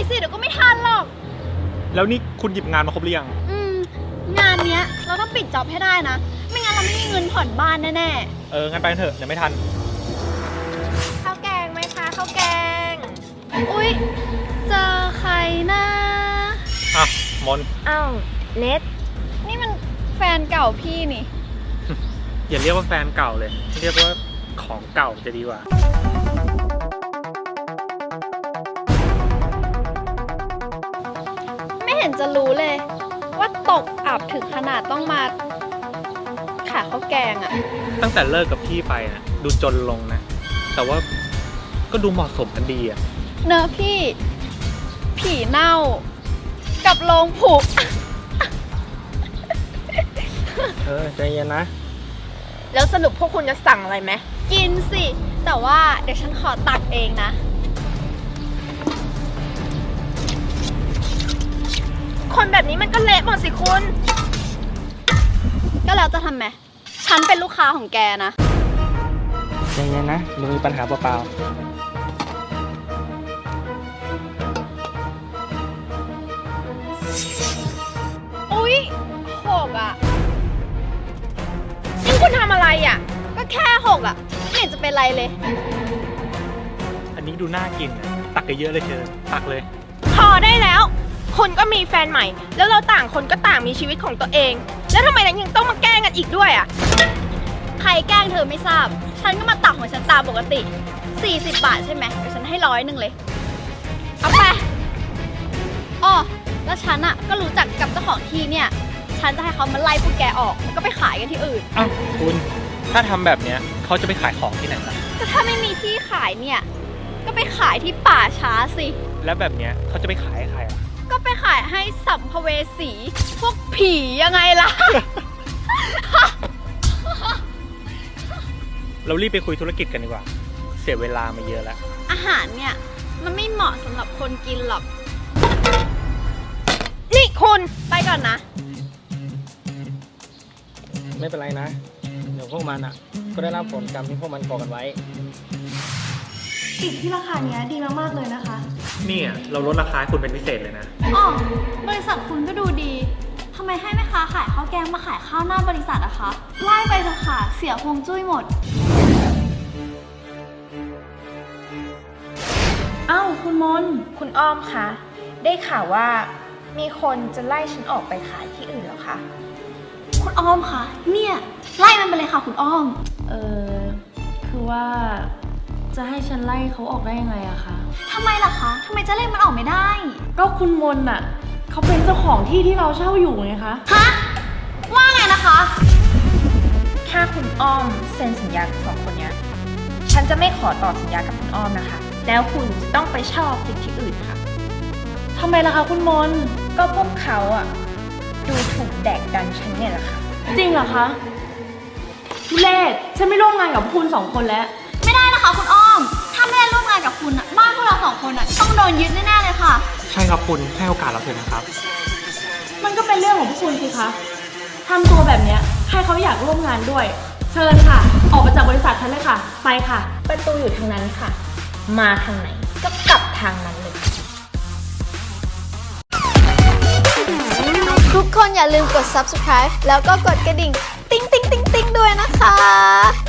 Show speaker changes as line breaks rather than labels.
สิเดี๋ยวก็ไม่ทันหรอก
แล้วนี่คุณหยิบงานมาครบหรือยัง
งานเนี้ยเราต้องปิดจ็อบให้ได้นะไม่งั้นเราไม่มีเงินผ่อนบ้านแน่
งั้นไปกันเถอะเดี๋ยวไม่ทัน
ข้าวแกงไหมคะข้าวแกงอุ๊ยเจอใครนะ
มน
อ้าวเน็ตนี่มันแฟนเก่าพี่นี่
อย่าเรียกว่าแฟนเก่าเลยเรียกว่าของเก่าจะดีกว่า
ไม่เห็นจะรู้เลยว่าตกอับถึงขนาดต้องมาขายข้าวแกงอะ
ตั้งแต่เลิกกับพี่ไปนะดูจนลงนะแต่ว่าก็ดูเหมาะสมกันดีอะ
เนอะพี่ผีเน่ากับโรงผุ
ใจเย็นนะ
แล้วสรุปพวกคุณจะสั่งอะไรไหมกินสิแต่ว่าเดี๋ยวฉันขอตักเองนะคนแบบนี้มันก็เละหมดสิคุณก็แล้วจะทำไมฉันเป็นลูกค้าของแกนะ
ใจเย็นนะดูมีปัญหาเปล่า
อุ๊ย6อ่ะนี่คุณทำอะไรอ่ะก็แค่6อ่ะไม่เห็นจะเป็นไรเลย
อันนี้ดูน่ากินตักเยอะเลยเธอตักเลย
พอได้แล้วคนก็มีแฟนใหม่แล้วเราต่างคนก็ต่างมีชีวิตของตัวเองแล้วทำไมนั้นยังต้องมาแกล้งกันอีกด้วยอ่ะ
ใครแกล้งเธอไม่ทราบฉันก็มาตักของฉันตามปกติ40 บาทใช่ไหมเดี๋ยวฉันให้100เลยเอาไปอ้อแล้วฉันอ่ะก็รู้จักกับเจ้าของที่เนี่ยฉันจะให้เขามาไล่พวกแกออกแล้วก็ไปขายกันที่อื่น
อ้าวคุณถ้าทำแบบเนี้ยเขาจะไปขายของที่ไหนล่ะ
ก็ถ้าไม่มีที่ขายเนี่ยก็ไปขายที่ป่าช้าสิ
แล้วแบบเนี้ยเขาจะไปขายให้ใครอ่ะ
ก็ไปขายให้สัมภเวสีพวกผียังไงล่ะ
เรารีบไปคุยธุรกิจกันดีกว่าเสียเวลามาเยอะแล้ว
อาหารเนี่ยมันไม่เหมาะสำหรับคนกินหรอก
นี่คุณ
ไปก่อนนะ
ไม่เป็นไรนะเดี๋ยวพวกมันอ่ะก็ได้รับผลกรรมที่พวกมันก่อกันไว้
ติดที่ราคาเนี้ยดีมากๆเลยนะคะ
นี่เราลดราคาให้คุณเป็นพิเศษเลยนะ
อ๋อบริษัทคุณก็ดูดีทำไมให้แม่ค้าขายข้าวแกงมาขายข้าวหน้าบริษัทอะคะไล่ไปเถอะค่ะเสียฮวงจุ้ยหมด
อ้าวคุณมน
คุณอ้อมคะได้ข่าวว่ามีคนจะไล่ฉันออกไปขายที่อื่นแล้วคะ
คุณอ้อมคะเนี่ยไล่มันไปเลยค่ะคุณอ้อม
คือว่าจะให้ฉันไล่เขาออกได้ยังไงอะคะ
ทำไมล่ะคะทำไมจะไล่มันออกไม่ได้
ก็คุณมนอะเขาเป็นเจ้าของที่ที่เราเช่าอยู่ไงคะ
ฮะว่าไงนะคะ
ถ้าคุณอ้อมเซ็นสัญญากับ2 คนนี้ฉันจะไม่ขอต่อสัญญากับคุณอ้อมนะคะแล้วคุณจะต้องไปเช่าออฟฟิศที่อื่นค่ะ
ทำไมล่ะคะคุณมน
ก็พวกเขาอะดูถูกแดกดันฉันเนี่ยแหละค่ะ
จริงเหรอคะทุเรศฉันไม่ร่วมงานกับคุณ2 คนแล้ว
ไม่ได้นะคะคุณอ้อมถ้าไม่ได้ร่วมงานกับคุณบ้านพวกเรา2 คนต้องโดนยึดแน่ๆเลยค่ะ
ใช่ครับคุณให้โอกาสเราเถอะนะครับ
มันก็เป็นเรื่องของพวกคุณสิคะทำตัวแบบเนี้ยให้เขาอยากร่วมงานด้วยเชิญค่ะออกมาจากบริษัทฉันเลยค่ะไปค่ะ
ประตูอยู่ทางนั้นค่ะมาทางไหนก็กลับทางนั้นเลย
ทุกคนอย่าลืมกด subscribe แล้วก็กดกระดิ่งติ๊งติ๊งติ๊งติ๊งด้วยนะคะ